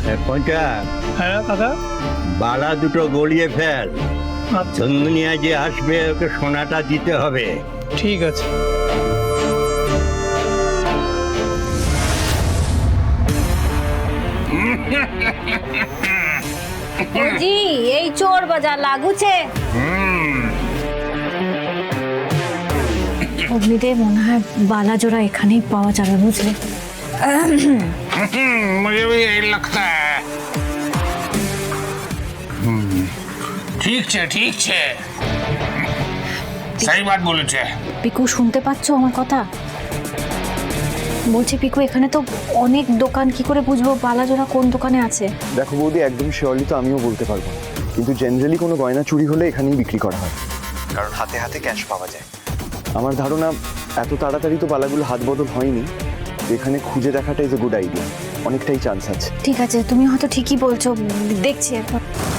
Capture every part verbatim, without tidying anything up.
কোনটা? হ্যাঁ কাকা। বালা দুটো গলিয়ে ফেল। আচ্ছা চন্দনিয়া যে আসবে ওকে সোনাটা দিতে হবে। ঠিক আছে। জি এই চোর বাজার লাগুছে। অগ্নিতে মনে হয় বালাজোড়া এখানেই পাওয়া যাবে বুঝলে। मुझे भी यही लगता है। ठीक छे ठीक छे, सही बात बोलेছে। পিকু শুনতে পাচ্ছো আমার কথা? বলছি পিকু এখানে তো অনেক দোকান, কি করে বুঝবো বালাজোড়া কোন দোকানে আছে? দেখো বৌদি, একদম শিওরলি তো আমিও বলতে পারবো না, কিন্তু জেনারেলি কোনো গয়না চুরি হলে এখানেই বিক্রি করা হয়, কারণ হাতে হাতে ক্যাশ পাওয়া যায়। আমার ধারণা এত তাড়াতাড়ি তো বালাগুলো হাত বদল হয়নি, এখানে খুঁজে দেখাটা ইজ এ গুড আইডিয়া, অনেকটাই চান্স আছে। ঠিক আছে, তুমি হয়তো ঠিকই বলছো, দেখছি এখন।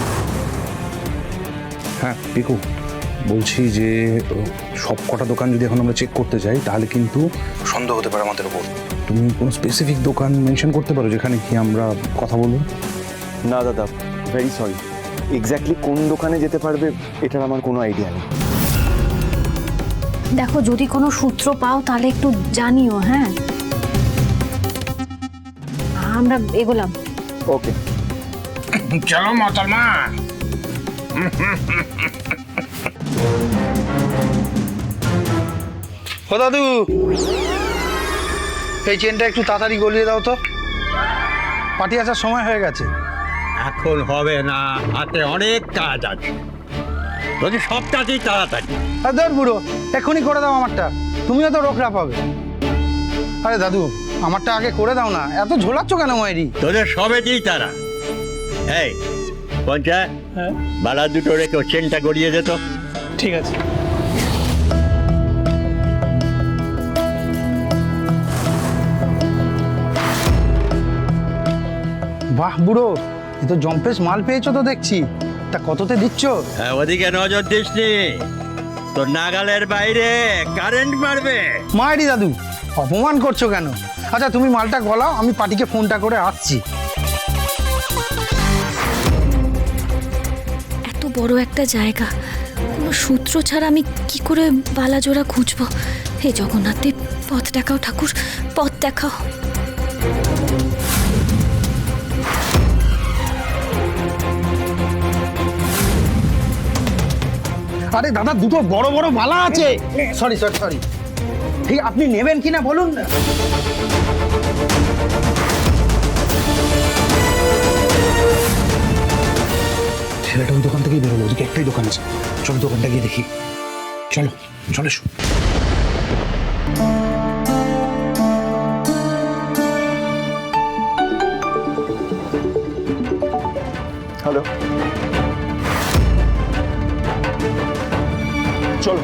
হ্যাঁ পিকু, বলছি যে সব কটা দোকান যদি এখন আমরা চেক করতে যাই তাহলে কিন্তু সন্দেহ হতে পারে আমাদের উপর। তুমি কোনো স্পেসিফিক দোকান মেনশন করতে পারো যেখানে কি আমরা কথা বলবো? না দাদা, ভেরি সরি, এক্স্যাক্টলি কোন দোকানে যেতে পারবে এটার আমার কোনো আইডিয়া নেই। দেখো যদি কোনো সূত্র পাও তাহলে একটু জানিও। হ্যাঁ আমরা এগোলাম। ওকে चलो मोहतरमा। ও দাদু, এই চেনটা একটু তাড়াতাড়ি গলিয়ে দাও তো, পার্টি আসার সময় হয়ে গেছে। এখন হবে না, হাতে অনেক কাজ আছে। যদি সব কাজই তাড়াতাড়ি। আর ধর বুড়ো, এক্ষুনি করে দাও আমারটা, তুমিও তো রোকরা পাবে। আরে দাদু, আমারটা আগে করে দাও না, এত ঝোলাচ্ছ কেন মায়েরি? তোদের সবেতেই তারা। এই পঞ্চা, হ্যাঁ বালা দুটো রেখে চেনটা গড়িয়ে যেত। ঠিক আছে। বাহ বুড়ো, এ তো জম্পেশ মাল পেয়েছো তো দেখছি, তা কততে দিচ্ছ? হ্যাঁ, ওদিকে নজর দিস নি, তোর নাগালের বাইরে কারেন্ট মারবে। মায়েরি দাদু, অপমান করছো কেন? আচ্ছা তুমি মালটা গলাও, আমি পার্টিকে ফোনটা করে আসছি। এত বড় একটা জায়গা, কোনো সূত্র ছাড়া আমি কি করে বালাজোড়া খুঁজবো? হে জগন্নাথ দেব, পথ দেখাও ঠাকুর, পথ দেখাও। আরে দাদা, দুটো বড় বড় মালা আছে। সরি সরি সরি, ঠিক আপনি নেবেন কিনা বলুন না। ছেলেটা ওই দোকান থেকেই বেরোলো, ওদিকে একটাই দোকান আছে, চলো দোকানটা গিয়ে দেখি। চলো চলো এসো। হ্যালো, চলো।